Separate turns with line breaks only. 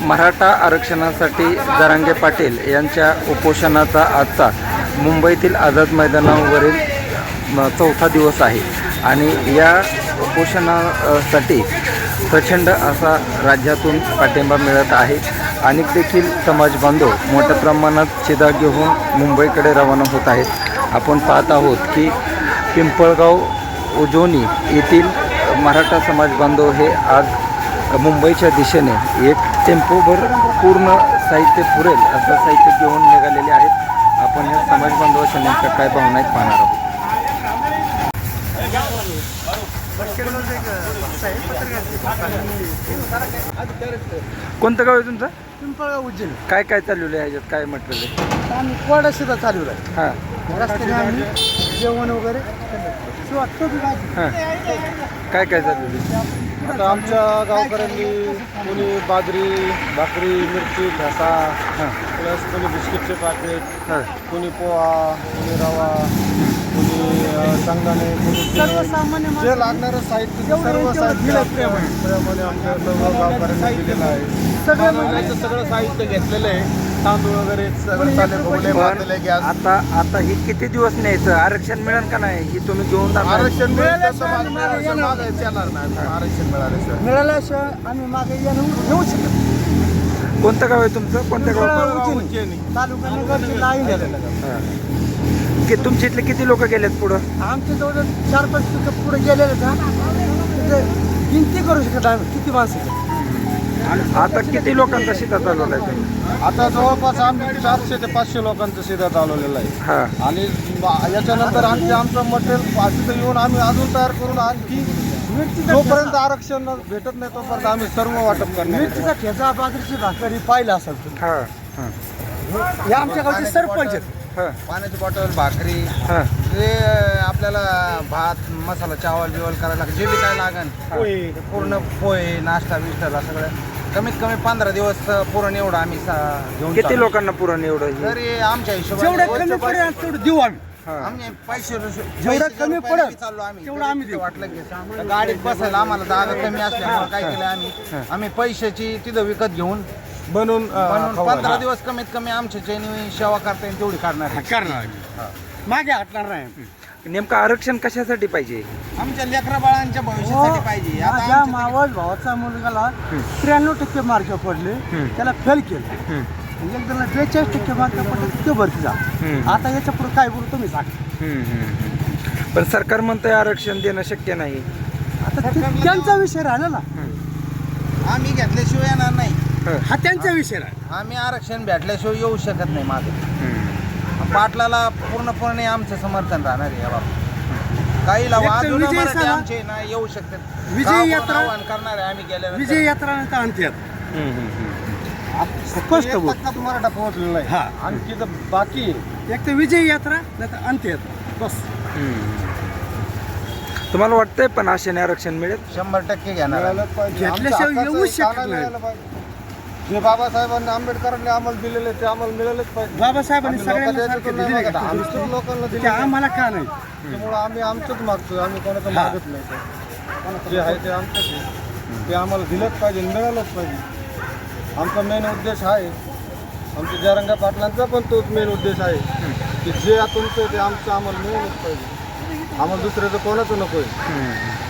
मराठा आरक्षणासाठी जरांगे पाटील यांच्या उपोषणाचा आजचा मुंबईतील आझाद मैदानावरील चौथा दिवस आहे आणि या उपोषणासाठी प्रचंड असा राज्यातून पाठिंबा मिळत आहे. अनेक देखील समाज बांधव मोठ्या प्रमाणात चिदा घेऊन मुंबईकडे रवाना होत आहेत. आपण पाहत आहोत की पिंपळगाव उजोनी येथील मराठा समाज बांधव हे आज मुंबईच्या दिशेने एक टेम्पोभर पूर्ण साहित्य पुरेल असं साहित्य घेऊन निघालेले आहेत. आपण या समाज बांधवाच्या नेमक्या काय भावना आहेत पाहणार आहोत. कोणतं गाव आहे तुमचं?
पिंपळगाव उज्जैन.
काय काय चाललेलं आहे ह्याच्यात, काय म्हटलेलं
आम्ही कोरडा शिदा चालू आहे.
हां
रस्त्याने आम्ही जेवण वगैरे
हां काय काय चाललेलं आहे?
आता आमच्या गावकऱ्यांनी कोणी बाजरी, भाकरी, मिरची, ठसा,
हां
प्लस कोणी बिस्किटचे पाकिट,
हां
कोणी पोहा, कोणी रवा, कोणी शेंगदाणे, कोणी तेल.
सर्वसामान्य
जे लागणारं साहित्य सर्व साहित्य प्रेमाने आमच्या सर्व गावकऱ्यांना दिलेलं आहे.
सगळं
सगळं साहित्य घेतलेलं आहे. तांदूळ वगैरे सगळं चालले, भोवले, भाजले, गॅस.
आता ही किती दिवस न्यायचं? आरक्षण मिळेल का नाही ही तुम्ही घेऊन जाणार?
आरक्षण मिळालं तर मागायचं येणार नाही. आरक्षण मिळालं सर.
मिळाल्याशिवाय आम्ही मागे येऊ शकतो.
कोणतं गाव आहे तुमचं? कोणत्या गाव?
उज्जैनी.
तालुका नगर जिल्हा आहे.
की तुमच्या इथले किती लोक गेलेत पुढं?
आमच्या जवळ 4-5 पिकं पुढे गेलेले का गिनती करू शकत आम्ही किती माणसं.
आता किती लोकांचा शिदा चालवला आहे तुम्ही?
आता जवळपास आम्ही 400 ते 500 लोकांचं शिदा चालवलेलं आहे.
हां
आणि याच्यानंतर आणखी आमचं मटेरियल तिथं येऊन आम्ही अजून तयार करून आणखी जोपर्यंत आरक्षण भेटत नाही तोपर्यंत आम्ही सर्व वाटप करणार.
मिरचीचा ठेचा, बाजरीची भाकरी पाहिलं असेल तुम्ही.
हां हां
हे आमच्या गावचे सरपंच आहेत.
हां
पाण्याची बॉटल, भाकरी,
हां
जे आपल्याला भात, मसाला, चावल बिवल करायला लागेल, जे बी काय लागेल पूर्ण पोहे, नाश्ता बिष्टाला सगळं कमीत कमी 15 दिवस पुरण एवढं आम्ही घेऊन
किती लोकांना पुरण एवढं हे?
तरी आमच्या
जेवढं कमी पडेल तेवढं देऊ आम्ही.
हां
आम्ही पैसे
जेवढं कमी पडेल
चाललो आम्ही
तेवढं आम्ही देऊ.
वाटलं की गाडीत बसायला आम्हाला जागा कमी असल्यामुळे काय केलं आम्ही पैशाची तिथं विकत घेऊन बनवून 15 दिवस कमीत कमी आमच्या ज्यांनी सेवा करता येईल तेवढी करणार.
मागे हटणार नाही.
नेमकं आरक्षण कशासाठी पाहिजे?
आमच्या लेकरा बाळांच्या भविष्यासाठी पाहिजे. आता
माझ्या
आमच्या
मावस भावाचा मुलगाला 93% मार्क पडले, त्याला फेल केलं. एक जणाला 42% मार्क पडले, ते भरती जा. आता याच्या पुढे काय बोलू तुम्ही सांगा.
पण सरकार म्हणतंय आरक्षण देणं शक्य नाही.
आता त्यांचा विषय राहिला ना.
आम्ही घेतल्याशिवाय येणार नाही.
हा त्यांचा विषय राहिला.
आम्ही आरक्षण भेटल्याशिवाय येऊ शकत नाही. माझं पाटलाला पूर्णपणे आमचं समर्थन राहणार आहे या बाबत. काही
विजय सभा-
आमचे ना येऊ शकतात.
विजय यात्रा-
आव्हान करणार आहे आम्ही गेल्यानंतर.
विजय यात्रा नंतर आणते स्पष्ट बोल.
एक मराठा पोहोचलेला आहे.
हा.
आणखी तर बाकी
एक तर विजय यात्रा नंतर अंत्य यात्रा बस.
तुम्हाला वाटतंय पण आशेने आरक्षण मिळेल?
100% घेणार आहे.
घेतल्याशिवाय येऊच शकत नाही.
जे बाबासाहेबांनी आंबेडकरांनी आम्हाला दिलेले ते आम्हाला मिळालेच पाहिजे.
बाबासाहेबांनी
आम्ही
सगळ्यांना
लोकांच्या
सारखे
याच्यातून
दिले
नाही
का?
मागत. आमच्याच लोकांना
ते
दिले.
आम्हाला का नाही?
त्यामुळे आम्ही आमचंच मागतोय. आम्ही कोणाचं
हा.
मागत नाही. जे आहे ते आमचंच आहे. ते आम्हाला दिलंच पाहिजे, मिळालंच पाहिजे. आमचा मेन उद्देश आहे. आमच्या जरांगे पाटलांचा पण तोच मेन उद्देश आहे की जे तुमचं ते आमचं आम्हाला मिळालंच पाहिजे. आम्हाला दुसऱ्याचं कोणाचं नको आहे.